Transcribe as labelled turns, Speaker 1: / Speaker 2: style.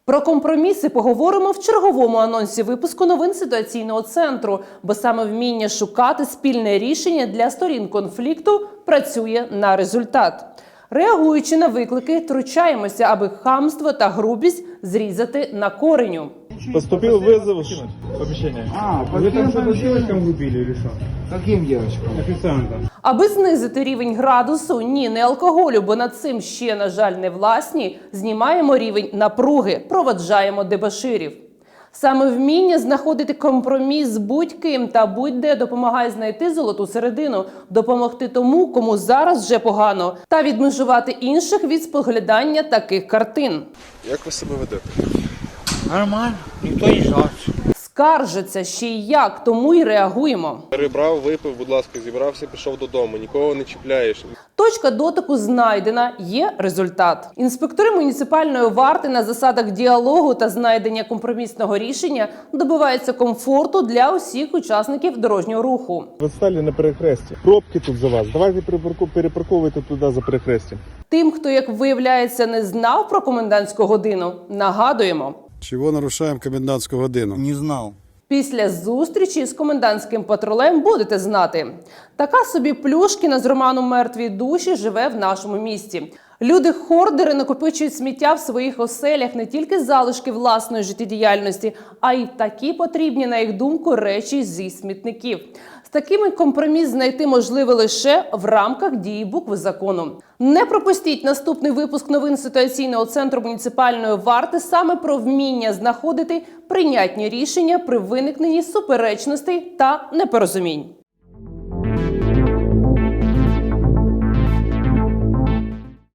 Speaker 1: Про компроміси поговоримо в черговому анонсі випуску новин ситуаційного центру, бо саме вміння шукати спільне рішення для сторін конфлікту працює на результат. Реагуючи на виклики, втручаємося, аби хамство та грубість зрізати на кореню.
Speaker 2: Поступил вызов в помещение.
Speaker 3: Вы там что-то с девочком убили или что?
Speaker 4: Каким девочкам?
Speaker 3: Официантом.
Speaker 1: Аби знизити рівень градусу, ні, не алкоголю, бо над цим ще, на жаль, не власні, знімаємо рівень напруги, проводжаємо дебоширів. Саме вміння знаходити компроміс з будь-ким та будь-де допомагає знайти золоту середину, допомогти тому, кому зараз вже погано, та відмежувати інших від споглядання таких картин.
Speaker 5: Як ви себе ведете?
Speaker 4: Нормально, никто не жалуется.
Speaker 1: Скаржаться ще й як, тому й реагуємо.
Speaker 5: Перебрав, випив, будь ласка, зібрався, пішов додому. Нікого не чіпляєш.
Speaker 1: Точка дотику знайдена, є результат. Інспектори муніципальної варти на засадах діалогу та знайдення компромісного рішення добиваються комфорту для усіх учасників дорожнього руху.
Speaker 2: Вы стали на перехресті. Пробки тут за вас. Давайте перепарковуйте туди за перехрестям.
Speaker 1: Тим, хто, як виявляється, не знав про комендантську годину, нагадуємо.
Speaker 6: Чего нарушаем комендантскую годину?
Speaker 4: Не знал.
Speaker 1: Після зустрічі з комендантським патрулем будете знати. Така собі Плюшкіна з роману «Мертві душі» живе в нашому місті. Люди-хордери накопичують сміття в своїх оселях, не тільки залишки власної життєдіяльності, а й такі потрібні, на їх думку, речі зі смітників. З такими компроміс знайти можливо лише в рамках дії букви закону. Не пропустіть наступний випуск новин ситуаційного центру муніципальної варти саме про вміння знаходити прийнятні рішення при виникненні суперечностей та непорозумінь.